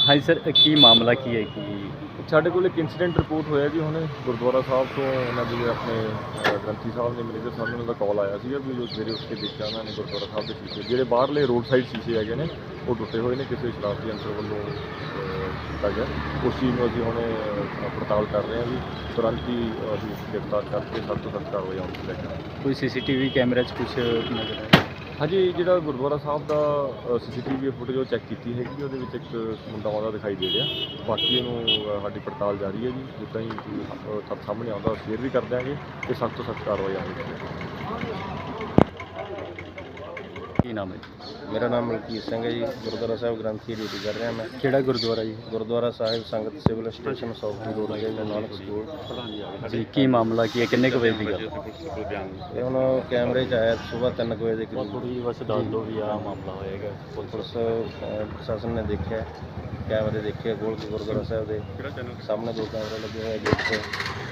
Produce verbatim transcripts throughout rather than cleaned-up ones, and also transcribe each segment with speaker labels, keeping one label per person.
Speaker 1: हाँ जी सर, की मामला की है कि
Speaker 2: ਸਾਡੇ ਕੋਲ ਇੱਕ ਇਨਸੀਡੈਂਟ ਰਿਪੋਰਟ ਹੋਇਆ ਜੀ ਹੁਣੇ ਗੁਰਦੁਆਰਾ ਸਾਹਿਬ ਤੋਂ ਉਹਨਾਂ ਦੇ ਆਪਣੇ ਅ, ਗ੍ਰੰਥੀ ਸਾਹਿਬ ਨੇ ਮੈਨੇਜਰ ਸਾਹਿਬ ਨੂੰ ਉਹਨਾਂ ਦਾ ਕਾਲ ਆਇਆ ਸੀਗਾ ਵੀ ਜੋ ਸਵੇਰੇ ਉੱਠ ਕੇ ਦੇਖਿਆ ਉਹਨਾਂ ਨੇ ਗੁਰਦੁਆਰਾ ਸਾਹਿਬ ਦੇ ਸ਼ੀਸ਼ੇ ਜਿਹੜੇ ਬਾਹਰਲੇ ਰੋਡ ਸਾਈਡ ਸ਼ੀਸ਼ੇ ਹੈਗੇ ਨੇ ਉਹ ਟੁੱਟੇ ਹੋਏ ਨੇ ਕਿਸੇ ਸ਼ਰਾਰਤੀ ਅੰਸਰ ਵੱਲੋਂ ਅ, ਕੀਤਾ ਗਿਆ। ਉਸ ਚੀਜ਼ ਨੂੰ ਅਸੀਂ ਹੁਣੇ ਅ, ਪੜਤਾਲ ਕਰ ਰਹੇ ਹਾਂ ਵੀ ਤੁਰੰਤ ਹੀ ਅਸੀਂ ਗ੍ਰਿਫਤਾਰ ਕਰਕੇ ਸਖਤ ਤੋਂ ਸਖਤ ਕਾਰਵਾਈ ਆਉਣ ਦੀ ਲੈ ਕੇ ਆਵਾਂਗੇ।
Speaker 1: कोई सीसीटीवी कैमरे च कुछ नजर आया?
Speaker 2: ਹਾਂਜੀ ਜਿਹੜਾ ਗੁਰਦੁਆਰਾ ਸਾਹਿਬ ਦਾ C C T V footage ਉਹ ਚੈੱਕ ਕੀਤੀ ਹੈਗੀ, ਉਹਦੇ ਵਿੱਚ ਇੱਕ ਮੁੰਡਾ ਆਉਂਦਾ ਦਿਖਾਈ ਦੇ ਰਿਹਾ। ਬਾਕੀ ਇਹਨੂੰ ਅ, ਸਾਡੀ ਪੜਤਾਲ ਜਾਰੀ ਹੈ ਜੀ, ਜਿੱਦਾਂ ਹੀ ਕੋਈ ਅ, ਤੱਥ ਸਾਹਮਣੇ ਆਉਂਦਾ ਸ਼ੇਅਰ ਵੀ ਕਰ ਦਿਆਂਗੇ ਤੇ ਸਖਤ ਤੋਂ ਸਖਤ ਕਾਰਵਾਈ ਆਵੇਗੀ।
Speaker 1: की नाम है?
Speaker 3: ਮੇਰਾ ਨਾਮ ਮਲਕੀਤ ਸਿੰਘ ਹੈ ਜੀ। ਗੁਰਦੁਆਰਾ ਸਾਹਿਬ ਗ੍ਰੰਥੀ ਡਿਊਟੀ ਕਰ ਰਿਹਾ ਮੈਂ।
Speaker 1: केड़ा गुरुद्वारा जी?
Speaker 3: ਗੁਰਦੁਆਰਾ ਸਾਹਿਬ ਸੰਗਤ ਸਿਵਲ ਸਟੇਸ਼ਨ ਸੌਖੀ ਰੋਡ ਤੇ ਨਾਨਕ ਸਕੂਲ।
Speaker 1: जी की मामला की है, किन्ने कुछ बजे की गल?
Speaker 3: ਇਹ ਹੁਣ ਕੈਮਰੇ 'ਚ ਆਇਆ ਸਵੇਰ ਤਿੰਨ ਕੁ ਵਜੇ ਦੇ ਕਰੀਬ।
Speaker 1: थोड़ी बस दस दो भी आ मामला होएगा।
Speaker 3: ਪੁਲਿਸ ਅਹ, ਪ੍ਰਸ਼ਾਸਨ ਨੇ ਦੇਖਿਆ, ਕੈਮਰੇ ਦੇਖੇ ਖੋਲ੍ਹ ਕੇ ਗੁਰਦੁਆਰਾ ਸਾਹਿਬ ਦੇ ਸਾਹਮਣੇ ਦੋ ਕੈਮਰੇ ਲੱਗੇ ਹੋਏ ਗੇਟ 'ਤੇ।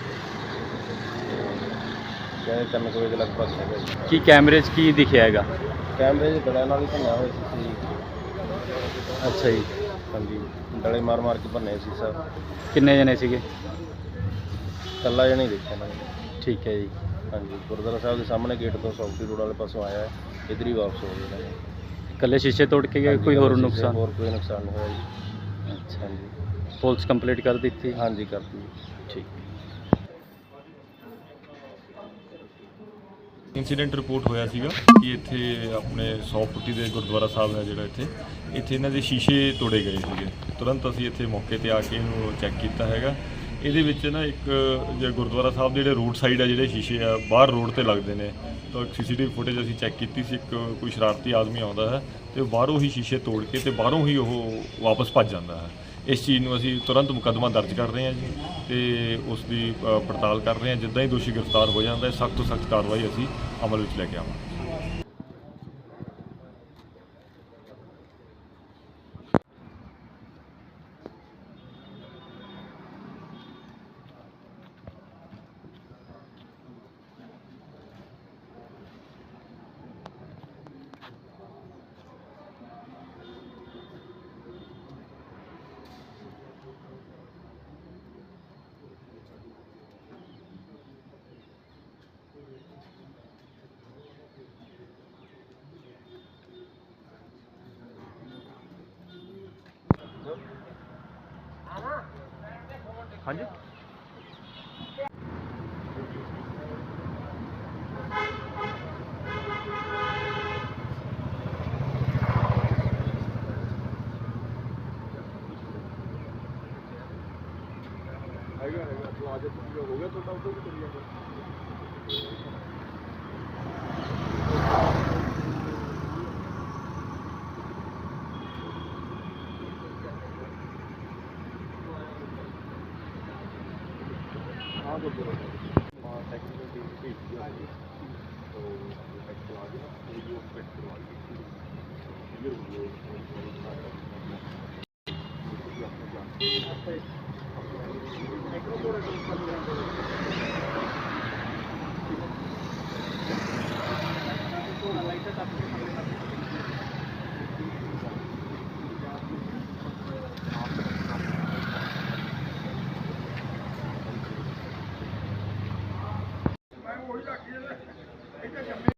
Speaker 3: ਕਹਿੰਦੇ ਤਿੰਨ ਕੁ ਵਜੇ ਦੇ ਲਗਭਗ ਹੈਗਾ ਜੀ।
Speaker 1: की कैमरे च की दिखया हैगा?
Speaker 3: ਕੈਮਰੇ 'ਚ ਡਲਿਆਂ ਨਾਲ ਹੀ ਭੰਨਿਆ ਹੋਇਆ ਸੀ ਸੀ।
Speaker 1: अच्छा जी,
Speaker 3: ਹਾਂਜੀ, ਡਲੇ ਮਾਰ ਮਾਰ ਕੇ ਭੰਨੇ ਸੀ ਸਰ।
Speaker 1: किन्ने जने सीगे?
Speaker 3: ਇਕੱਲਾ ਜਣਾ ਹੀ ਦੇਖਿਆ ਮੈਂ।
Speaker 1: ठीक है जी।
Speaker 3: ਹਾਂਜੀ, ਗੁਰਦੁਆਰਾ ਸਾਹਿਬ ਦੇ ਸਾਹਮਣੇ ਗੇਟ ਤੋਂ ਸੌਖੀ ਰੋਡ ਵਾਲੇ ਪਾਸੋਂ ਆਇਆ, ਇੱਧਰ ਹੀ ਵਾਪਸ ਹੋ ਗਿਆ।
Speaker 1: कल्ले शीशे तोड़ के गए, कोई होर नुकसान?
Speaker 3: ਹੋਰ ਕੋਈ ਨੁਕਸਾਨ ਨਹੀਂ ਹੋਇਆ ਜੀ।
Speaker 1: अच्छा,
Speaker 3: ਹਾਂਜੀ
Speaker 1: पुलिस कंप्लीट कर दी थी?
Speaker 3: ਹਾਂਜੀ ਕਰਤੀ।
Speaker 1: ठीक।
Speaker 2: ਇੰਸੀਡੈਂਟ ਰਿਪੋਰਟ ਹੋਇਆ ਸੀਗਾ ਕਿ ਇੱਥੇ ਆਪਣੇ ਸੌ ਫੁੱਟੀ ਦੇ ਗੁਰਦੁਆਰਾ ਸਾਹਿਬ ਹੈ ਜਿਹੜਾ ਇੱਥੇ ਇੱਥੇ ਇਹਨਾਂ ਦੇ ਸ਼ੀਸ਼ੇ ਤੋੜੇ ਗਏ ਸੀਗੇ। ਤੁਰੰਤ ਅਸੀਂ ਇੱਥੇ ਮੌਕੇ ਤੇ ਆ ਕੇ ਇਹਨੂੰ ਚੈੱਕ ਕੀਤਾ ਹੈਗਾ। ਇਹਦੇ ਵਿੱਚ ਨਾ ਇੱਕ ਜਿਹੜਾ ਗੁਰਦੁਆਰਾ ਸਾਹਿਬ ਦੇ ਜਿਹੜੇ ਰੋਡ ਸਾਈਡ ਆ ਜਿਹੜੇ ਸ਼ੀਸ਼ੇ ਆ ਬਾਹਰ ਰੋਡ ਤੇ ਲੱਗਦੇ ਨੇ, ਤਾਂ ਇੱਕ C C T V footage ਅਸੀਂ ਚੈੱਕ ਕੀਤੀ ਸੀ। ਇੱਕ ਕੋਈ ਸ਼ਰਾਰਤੀ ਆਦਮੀ ਆਉਂਦਾ ਹੈ ਤੇ ਬਾਹਰੋਂ ਹੀ ਸ਼ੀਸ਼ੇ ਤੋੜ ਕੇ ਤੇ ਬਾਹਰੋਂ ਹੀ ਉਹ ਵਾਪਸ ਭੱਜ ਜਾਂਦਾ ਹੈ। ਇਸ ਚੀਜ਼ ਨੂੰ ਅਸੀਂ ਤੁਰੰਤ ਮੁਕੱਦਮਾ ਦਰਜ ਕਰ ਰਹੇ ਹਾਂ ਜੀ ਤੇ ਉਸ ਦੀ ਅ, ਪੜਤਾਲ ਕਰ ਰਹੇ ਹਾਂ। ਜਿੱਦਾਂ ਹੀ ਦੋਸ਼ੀ ਗ੍ਰਿਫਤਾਰ ਹੋ ਜਾਂਦਾ ਹੈ ਸਖਤ ਤੋਂ ਸਖਤ ਕਾਰਵਾਈ ਅਸੀਂ ਅਮਲ ਵਿੱਚ ਲੈ ਕੇ ਆਵਾਂਗੇ। ਹਾਂਜੀ ਹੈਗਾ ਹੈਗਾ ਪਲਾਜ਼ਾ ਹੋ ਗਿਆ ਤੁਹਾਡਾ ਉਦੋਂ ਵੀ ਕਰੀ ਜਾਂਦਾ। हाँ गुरुद्वारा हाँ टेक्निकल टीम भेज दिया है तो चेक करवा देना, वीडियो चेक करवा देना।